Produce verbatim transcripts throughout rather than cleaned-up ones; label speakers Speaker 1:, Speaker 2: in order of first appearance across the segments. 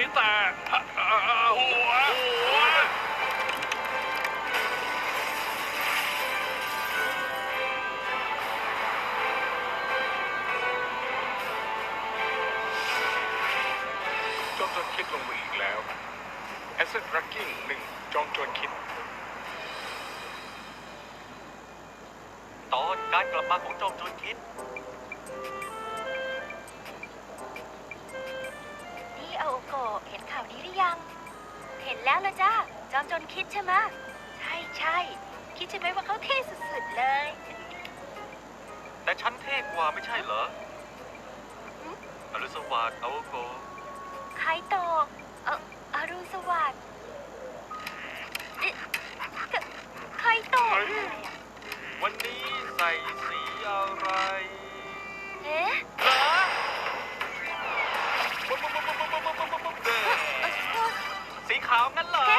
Speaker 1: แต่หัวหัวจอมโจรคิดลงมืออีกแล้วแอสเซทรักกิ้งหนึ่งจอมโจรคิด
Speaker 2: ตอนการกลับมาของจอมโจรคิด
Speaker 3: นี่อาโอโกะเห็นข่าวนี้หรือยังเห็นแล้วละจ้าจอมโจรคิดใช่ไหมใช่ใช่คิดใช่ไหมว่าเขาเท่สุดๆเลย
Speaker 2: แต่ฉันเท่กว่าไม่ใช่เหรออรุณสวัสดิ์อาโอโกะ
Speaker 3: ไคโตะเอ่ออรุณสวัสดิ์ไคโตะ
Speaker 2: วันนี้ใส่สีอะไร
Speaker 3: เอ๊ะ
Speaker 2: สีขาวงั้นเหรอ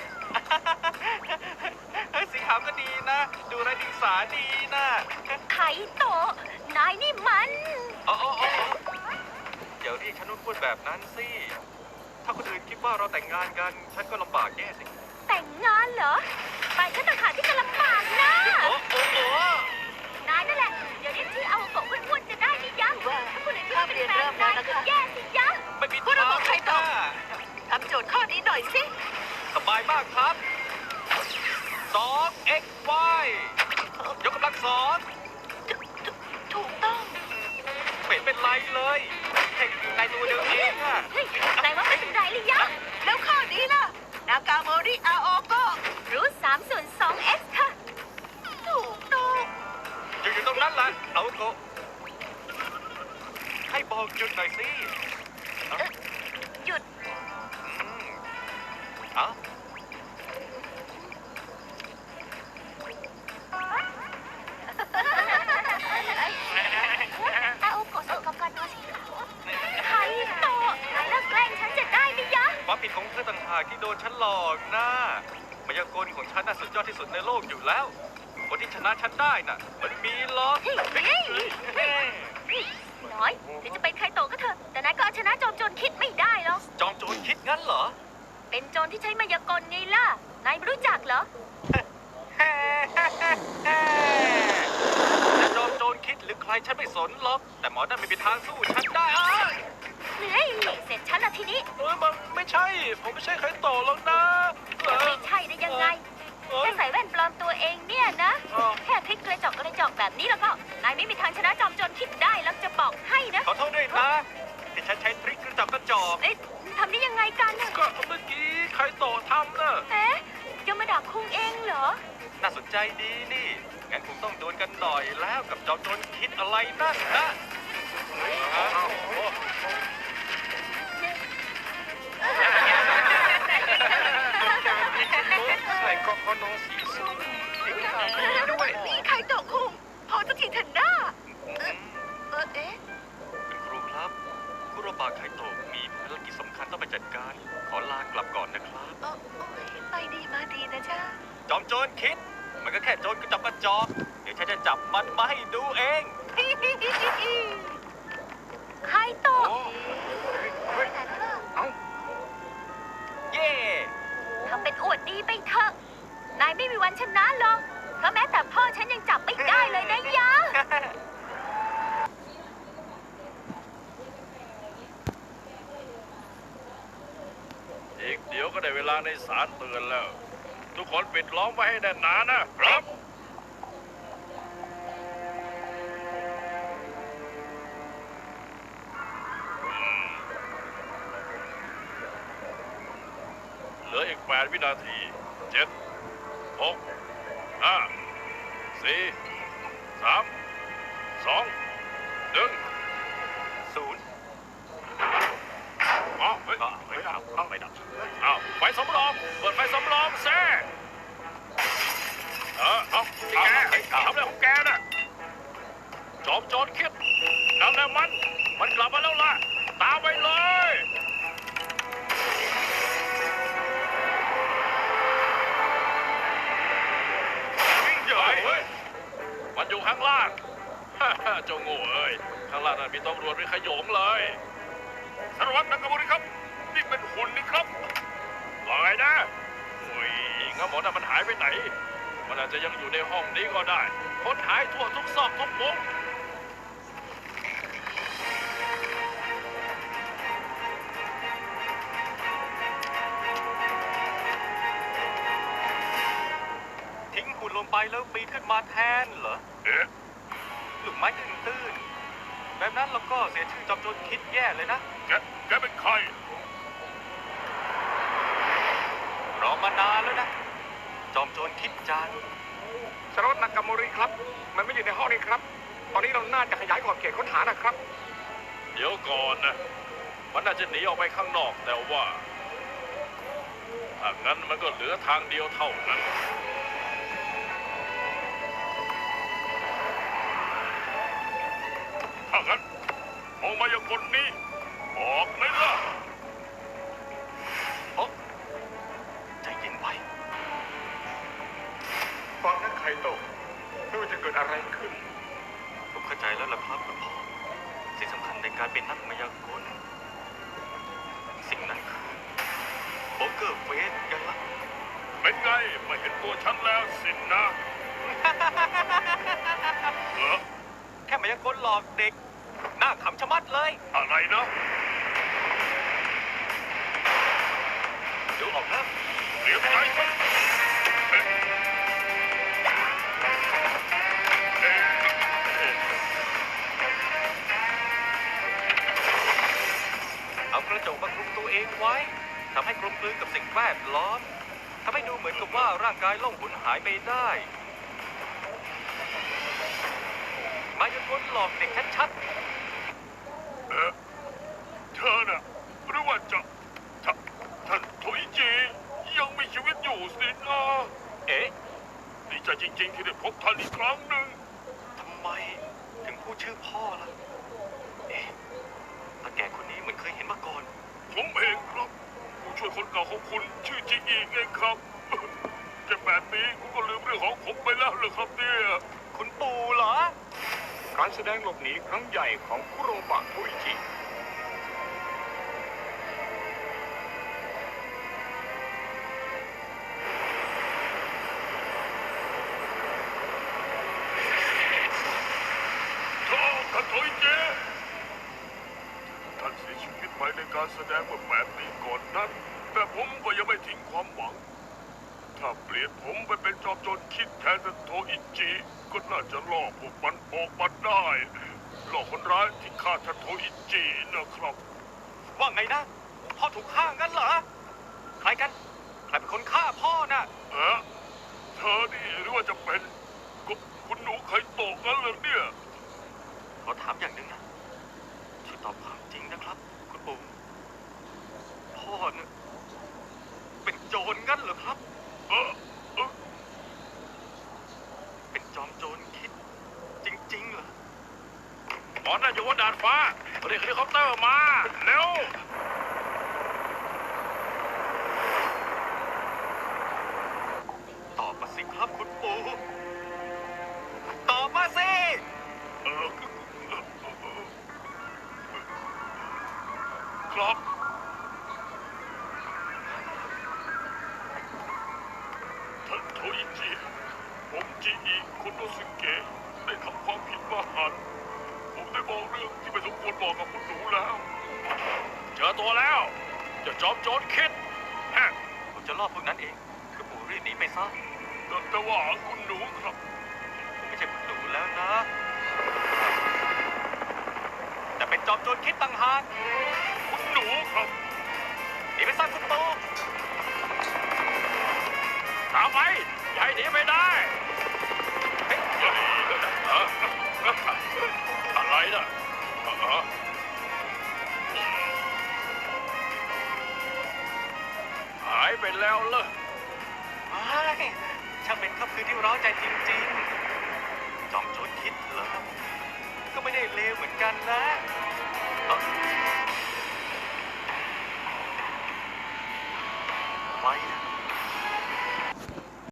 Speaker 2: สีขาวก็ดีนะดูไร้ดิงสาดีนะ
Speaker 3: ไคโตะนายนี่มัน
Speaker 2: อ๋ออย่าเรียกฉันว่าพูดแบบนั้นสิถ้าคนอื่นคิดว่าเราแต่งงานกันฉันก็ลำบากแย่สิ
Speaker 3: แต่งงานเหรอไปฉันต่างหากที่จะลำบากนะ
Speaker 2: โอ้โอ้โอ้
Speaker 3: นายนั่นแหละเดี๋ยวเรียกชื่อเอาโกะอ้วนๆจะได้ไม่ยั้งถ้าคนอื่นคิดว่าเป็นแฟนนายก็แย่สิยั้ง
Speaker 2: ไม่ผิด
Speaker 3: ทางใครตอบทำโจทย์ข้อนี้หน่อยสิ
Speaker 2: สบายมากครับสอง x y ยกกำลังสอง
Speaker 3: ถูกต้อง
Speaker 2: เป็นเป็นไรเลยแค่ในตัวเดียวเองอะ
Speaker 3: นายว่าเป็นไรหรือยังแล้วข้อนี้ล่ะนากาโมริอาโอโกะรูทสามส่วนสอง x ค่ะถูกต้อง
Speaker 2: อยู่อยู่ตรงนั้นแหละอาโอโกะให้บอกหยุดหน่อยสิ
Speaker 3: หยุด
Speaker 2: เอ้า
Speaker 3: อาโอโกะส่งกับการตัวสีขาวไคโตะนายเลิกแกล้งฉันจะได้ไหมยะ
Speaker 2: ความผิดของเธอต่างหากที่โดนฉันหลอกนะมายากลของฉันน่ะสุดยอดที่สุดในโลกอยู่แล้วคนที่ชนะฉันได้น่ะมันมีหรอก
Speaker 3: น้อยถึงจะเป็นไคโตะก็เถอะแต่นายก็เอาชนะจอมโจรคิดไม่ได้หรอก
Speaker 2: จอมโจรคิดงั้นเหรอ
Speaker 3: เป็นโจรที่ใช้มายากลไงล่ะนายไม่รู้จักเหรอ
Speaker 2: จะจอมโจรคิดหรือใครฉันไม่สนหรอกแต่หมอนั่นไม่มีทางสู้ฉันได้
Speaker 3: เฮ้ยเสร็จฉันละทีนี้
Speaker 1: เออมันไม่ใช่ผมไม่ใช่ใครต่อหรอกนะ
Speaker 3: ไม่ใช่ได้ยังไงแค่ใส่แว่นปลอมตัวเองเนี่ยนะแค่คลิกกระจกกระจกแบบนี้แล้วก็นายไม่มีทางชนะจอมโจรคิดได้แล้วจะบอกให้นะ
Speaker 2: ขอโทษด้วยนะที่ฉันใช้ทริคกระจกกระจก
Speaker 3: เอ๊ะทำได้ยังไงกัน
Speaker 1: ก็เมื่อกี้ใครต่อทำนะ
Speaker 3: เอ๊ะจะมาด่าคุงเองเหรอ
Speaker 2: น่าสนใจดีนี่งั้นคงต้องโดนกันหน่อยแล้วกับจอมโจรคิดอะไรนั่นนะ
Speaker 1: ใส่กอโนสีส้ม
Speaker 3: ด้วยใครตกคุงพอจะทีเถอะหน้าเออเอ๊ะ
Speaker 2: คุณครูครับคุโรบะไคโตะมีภารกิจสำคัญต้องไปจัดการขอลากลับก่อนนะครับ
Speaker 3: ไปดีมาดีนะจ๊ะ
Speaker 2: จอมโจรคิดมันก็แค่โจรกระจอกกระจอกเดี๋ยวฉันจะจับมันมาให้ดูเอง
Speaker 3: ไคโตะ
Speaker 2: เย่
Speaker 3: ทำเป็นอวดดีไปเถอะนายไม่มีวันชนะหรอกเพราะแม้แต่พ่อฉันยังจับไม่ได้เลยนะยะ
Speaker 1: อีกเดี๋ยวก็ได้เวลาในศาลเตือนแล้วทุกคนปิดล้อมไว้ให้แน่นหนานะครับเหลืออีกแปดวินาทีเจ็ดหกห้าสี่สามสองหนึ่ง
Speaker 2: ศูนย์
Speaker 1: อ๋อเฮ้ยไม่ดับไม่ดับอ้าวไฟสำรองเปิดไฟสำรองแซ่เออเอาแกทำอะไรของแกน่ะจอมโจรคิดนั่นแหละมันมันกลับมาแล้วล่ะตามไปเลยมันอยู่ข้างล่างเจ้าโง่เอ้ยข้างล่างนั้นมีตำรวจเป็นขโยงเลยสารวัตรนากาโมริครับนี่เป็นหุ่นนี่ครับว่าไงนะโอ้ยงั้นหมอนั่นมันหายไปไหน มันอาจจะยังอยู่ในห้องนี้ก็ได้ค้นหายทั่วทุกซอกทุกมุม
Speaker 2: ทิ้งหุ่นลงไปแล้วปีนขึ้นมาแทนเหรอ
Speaker 1: เอ๊ะ
Speaker 2: ลูกไม้ตื้นๆแบบนั้นเราก็เสียชื่อจอมโจรคิดแย่เลยนะ
Speaker 1: แก แกเป็นใคร
Speaker 2: รอมานานแล้วนะ จอมโจรคิดจาน
Speaker 4: สารวัตรนากาโมริครับ มันไม่อยู่ในห้องนี้ครับ ตอนนี้เราน่าจะขยายขอบเขตค้นหานะครับ
Speaker 1: เดี๋ยวก่อนนะ มันน่าจะหนีออกไปข้างนอกแต่ว่าถ้างั้นมันก็เหลือทางเดียวเท่านั้น ถ้างั้นมองมาอย่างคนนี้ออกไหมล่ะ
Speaker 2: โอ๊ะใจเย็นไว้
Speaker 4: ฟังนั้นใครตกไม่ว่าจะเกิดอะไรขึ้น
Speaker 2: ผมเข้าใจแล้วล่ะครับคุณพ่อสิ่งสำคัญในการเป็นนักมายากลสิ่งนั้นคือโป๊กเกอร์เฟสยังล่ะ
Speaker 1: เป็นไงมาเห็นตัวฉันแล้วสินนะเออ
Speaker 2: แค่มายากลหลอกเด็กหน้าขำชะมัดเลย
Speaker 1: อะไรนะ
Speaker 2: ดูออกนะ
Speaker 1: เดี๋ยวใจมันเอ๊ะเอ๊ะเอ๊ะ
Speaker 2: เอากระจกมาคลุมตัวเองไว้ทำให้กลมกลืนกับสิ่งแวดล้อมทำให้ดูเหมือนกับว่าร่างกายล่องหุนหายไปได้มายากลหลอกเด็กชัด
Speaker 1: เอ๊ะเธอน่ะหรือว่าจะท่านท่านโทอิจิยังมีชีวิตอยู่สินะ
Speaker 2: ๆเอ๊ะ
Speaker 1: ดีใจจริงๆที่ได้พบท่านอีกครั้งหนึ่ง
Speaker 2: ทำไมถึงพูดชื่อพ่อล่ะเอ๊ะตาแก่คนนี้เหมือนเคยเห็นมาก่อน
Speaker 1: ผมเองครับผู้ช่วยคนเก่าของคุณชื่อจิอีไงครับแค่แปดปีคุณก็ลืมเรื่องของผมไปแล้วเหรอครับเนี่ย
Speaker 2: คุณปู่เหรอ
Speaker 4: การแสดงหลบหนีครั้งใหญ่ของคุโรบะโทอิจิ
Speaker 1: โธ่ท่านโทอิจิท่านเสียชีวิตไปในการแสดงเมื่อแปดปีก่อนนั้น แต่ผมก็ยังไม่ทิ้งความหวัง ถ้าเปลี่ยนผมไปเป็นจอมโจรคิดแทนท่านโทอิจิก็น่าจะล่อพวกมันออกมาได้ล่อคนร้ายที่ฆ่าท่านโทอิจินะครับ
Speaker 2: ว่าไงนะ พ่อถูกฆ่างั้นเหรอ ใครกัน ใครเป็นคนฆ่าพ่อน่ะ
Speaker 1: เอ๊ะเธอนี่หรือว่าจะเป็นกุคุณหนูไข่โตกงั้นเลยเนี่ย
Speaker 2: ขอถามอย่างหนึ่งนะ ช่วยตอบความจริงนะครับ คุณปู่ พ่อเนี่ยเป็นโจรงั้นเหรอครับ
Speaker 1: เออเออ
Speaker 2: เป็นจอมโจรคิด จริงๆเหรอ
Speaker 1: หมอนั่นอยู่บนดาดฟ้าเรียกเฮลิคอปเตอร์มาเร็ว
Speaker 2: ตอบมาสิครับคุณปู่ ตอบมาสิ
Speaker 1: เออครับท่านโทอิจิผมจิอิคุโนสึเกะได้ทำความผิดมหันต์ผมได้บอกเรื่องที่ไม่สมควรบอกกับคุณหนูแล้ว เจอตัวแล้วเจะจอมโจรคิดฮะ
Speaker 2: ผมจะล่อพวกนั้นเอง คุณปู่รีบหนีไปซะ
Speaker 1: แต่แต่ว่าคุณหนูครับ
Speaker 2: ผมไม่ใช่คุณหนูแล้วนะ แต่เป็นจอมโจรคิดต่างหาก
Speaker 1: คุณหนูครับ
Speaker 2: หนีไปซะคุณปู่
Speaker 1: ตามไปอย่าให้หนีไปได้เฮ้ยเฮ้ยเอ่ออะไรน่ะเอ่อหายไปแล้วเหรอ
Speaker 2: ไม่ช่างเป็นค่ำคืนที่ร้าวใจจริงๆ จอมโจรคิดเหรอ ก็ไม่ได้เลวเหมือนกันนะเอ้าไม่นะ